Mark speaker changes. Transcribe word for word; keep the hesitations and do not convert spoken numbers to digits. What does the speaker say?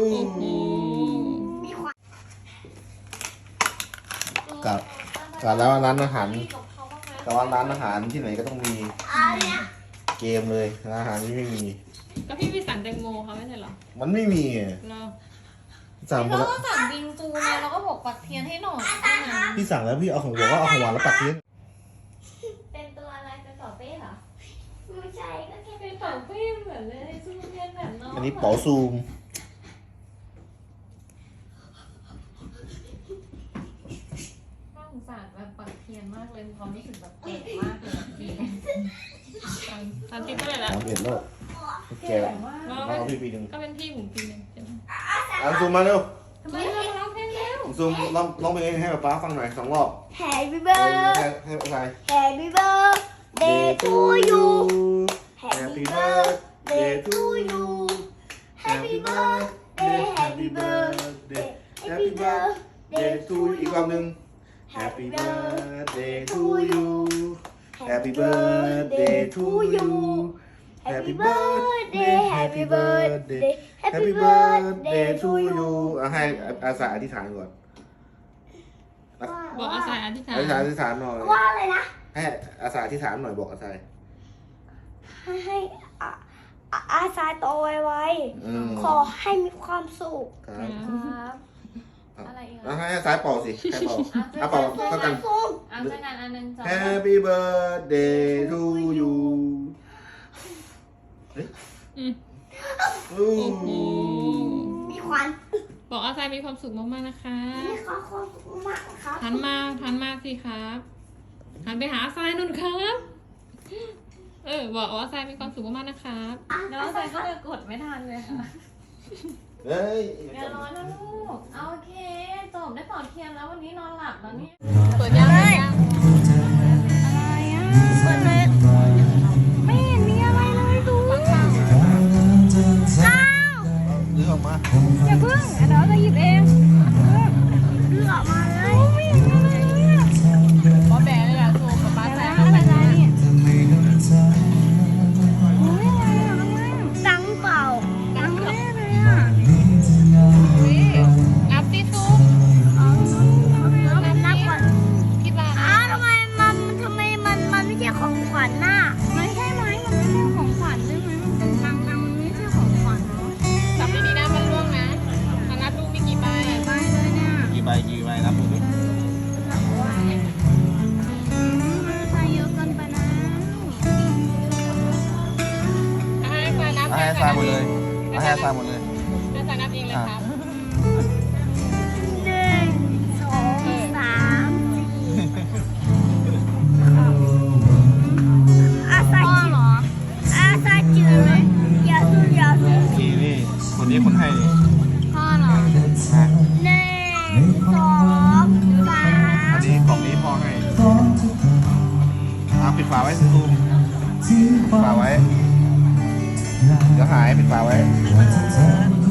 Speaker 1: กับกับแล้วร้านอาหารกับว่าร้านอาหารที่ไหนก็ต้องมีเกมเลยร้านอาหารที่ไม่มี
Speaker 2: ก็พี่ไปสั่งแตงโมเขาไม่ใช่เหรอ
Speaker 1: มันไม่มี
Speaker 2: เรา
Speaker 1: สั่งไป
Speaker 3: เรา
Speaker 1: แล้ว
Speaker 3: ก็สั่งบิงซูไงเราก็บอกปักเทียนให้หน่อยนะ
Speaker 1: พี่สั่งแล้วพี่เอาของบอกว่าเอาของหวานแล้วปัดเทียน
Speaker 3: เป็นตัวอะไรเป็นเป่าเป้เหรอ
Speaker 4: ไม่ใช่ก็แค่
Speaker 3: เป็นเป่าเป้เหมือนเลยซูเรียนแบบน้อง
Speaker 1: อันนี้เป๋าซูม
Speaker 3: น่าสงสารแบบปักเทียนมากเลยความรู้สึกแบบเจ็บมากเลยจริง
Speaker 2: ตอนที่เท่าไหร่แล้ว
Speaker 1: สามเอ็ดโลกแกมาเอาพี่ปีหนึ่ง
Speaker 2: ก็เป็นพี่ผมปีนึงใช่ไหม
Speaker 1: อันซูมมาเร็ว
Speaker 3: ทำไมเราร้องเพลงเร็ว
Speaker 1: ซูมร้องร้องเพลงให้ป๊าฟังหน่อยสองรอบ
Speaker 4: Happy
Speaker 1: ให้
Speaker 4: birthday
Speaker 1: ให้ใคร
Speaker 4: Happy birthday to you
Speaker 1: Happy birthday to you Happy birthday Happy birthday Happy birthday to you อีกรอบหนึ่ง Happy birthday to you Happy birthday to you Happy birthday Happy birthday Happy birthday to you อ่ะให้อาสาอธิษฐานก่อน
Speaker 2: บอกอาศัยอธิษฐาน
Speaker 1: อธิษฐานอธิษฐานหน่อย
Speaker 4: ว่าอะไรนะ
Speaker 1: ให้อาสาอธิษฐานหน่อยบอกอาสา
Speaker 4: ให้ให้อาอาอาซาโตไว
Speaker 1: อืม
Speaker 4: ๆขอให้มีความสุข
Speaker 1: ครับ
Speaker 3: ครับอะไรอีก
Speaker 1: แล้ว
Speaker 3: อ่ะ
Speaker 1: ให้อาสาเป่าสิให้เป่าอ่ะเป่าเท่ากัน
Speaker 4: สุข
Speaker 3: อ่ะเจอกันอันหนึงสอง
Speaker 1: Happy birthday to you เฮ้ย
Speaker 2: อืม
Speaker 1: อู้
Speaker 2: โอ้โห
Speaker 4: มีความ
Speaker 2: บอกอาศัยมีความสุขมากๆนะคะ
Speaker 4: มีความความสุขมากครับ
Speaker 2: หันมาหันมาสิครับหันไปหาอาศัยนุ่นครับเออบอกอาศัยมีความสุขมากๆนะครับ
Speaker 4: อ่ะ
Speaker 3: น้องใส่ก็เลยกดไม่ทันเลยค่ะ
Speaker 1: เฮ้ย
Speaker 3: อย่าร้อนนะลูกเอาโอเคจบได้เป่าเทียนแล้ววันนี้นอนหลับแล้วเนี่ย
Speaker 2: เปิดยังเปิดยัง
Speaker 4: อะไรอ่ะเปิดเลยไม่เห็นมีอะไรเลยดูอ้าว
Speaker 1: ซื้อออกมา
Speaker 4: อย่าเพิ่งเดี๋ยวจะหยิบเองเลือกมาเลยไม่เห็นมีอะไรเลยอ่ะ
Speaker 2: บอแบะเลยอะโซกับป้าแซ
Speaker 4: อะไรอะไรเนี่ยโอ้ยอะไรอ่ะข้างล่างดังเปล่าดังแน่เลยอ่ะ
Speaker 2: นับสิซูม
Speaker 4: เอานับนับก่อน
Speaker 2: คิดว่า
Speaker 4: อ้าวทำไมมันทำไมมันมันไม่ใช่ของขวัญน่ะไม่ใช่ไหมมันไม่ใช่ของขวัญใช่ไหมมันเป็นตังตังมันไม่ใช่ของขวัญเนาะ
Speaker 2: จับดีๆนะมันล่วงนะมานับดูมีกี่ใบ
Speaker 4: ไปเลยเนี่ย
Speaker 1: กี่ใบกี่ใบนับดูดิ
Speaker 4: อืมมันใช้เยอะเกินไปนะ
Speaker 2: ให้อาศัยนับ
Speaker 1: ให้อาสาหมดเลยให้อาสาหมดเลย
Speaker 2: อาศัยนับเองเลยครับ
Speaker 4: หนึ่งสองสามสี่อาซาจิเหรออาซาจิเลยอย่าสู้อย่าสู้
Speaker 1: นี่นี่คนนี้คนให้นี่
Speaker 2: พ่อเหรอ
Speaker 4: หนึ่งสองสา
Speaker 1: อั
Speaker 4: ม
Speaker 1: นนี้ของนี้พ่อให้อ่ะปิดฝาไว้ซูมปิดฝาไว้เดี๋ยวหายปิดฝาไว้
Speaker 4: เ